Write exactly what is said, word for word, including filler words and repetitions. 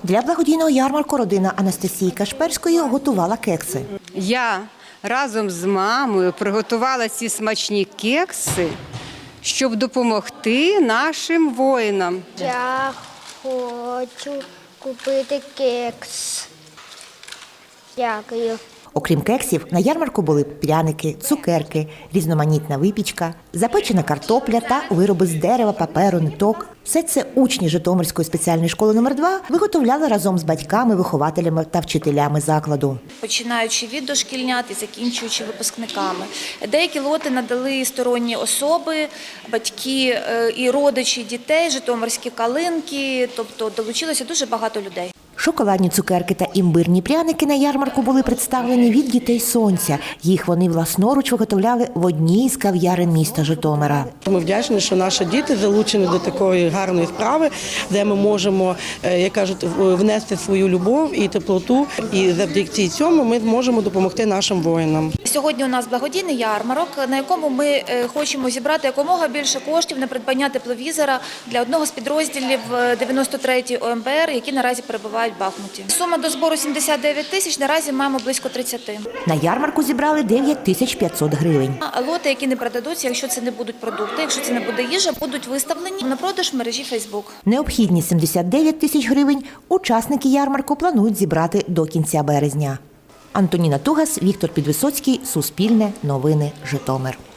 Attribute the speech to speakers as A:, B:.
A: Для благодійного ярмарку родина Анастасії Кашперської готувала кекси.
B: Я разом з мамою приготувала ці смачні кекси, щоб допомогти нашим воїнам.
C: Я хочу купити кекс. Дякую.
A: Окрім кексів, на ярмарку були пряники, цукерки, різноманітна випічка, запечена картопля та вироби з дерева, паперу, ниток. Все це учні Житомирської спеціальної школи номер два виготовляли разом з батьками, вихователями та вчителями закладу.
D: Починаючи від дошкільнят і закінчуючи випускниками. Деякі лоти надали сторонні особи, батьки і родичі дітей, житомирські калинки, тобто долучилося дуже багато людей.
A: Шоколадні цукерки та імбирні пряники на ярмарку були представлені від дітей сонця. Їх вони власноруч виготовляли в одній з кав'ярень міста Житомира.
E: Ми вдячні, що наші діти залучені до такої гарної справи, де ми можемо, як кажуть, внести свою любов і теплоту. І завдяки цьому ми зможемо допомогти нашим воїнам.
D: Сьогодні у нас благодійний ярмарок, на якому ми хочемо зібрати якомога більше коштів на придбання тепловізора для одного з підрозділів дев'яносто третьої О Ем Бе Ер, які наразі перебувають в Бахмуті. Сума до збору сімдесят дев'ять тисяч, наразі маємо близько тридцяти.
A: На ярмарку зібрали дев'ять тисяч п'ятсот гривень.
D: Лоти, які не продадуться, якщо це не будуть продукти, якщо це не буде їжа, будуть виставлені на продаж в мережі Фейсбук.
A: Необхідні сімдесят дев'ять тисяч гривень учасники ярмарку планують зібрати до кінця березня. Антоніна Тугас, Віктор Підвисоцький, Суспільне, Новини, Житомир.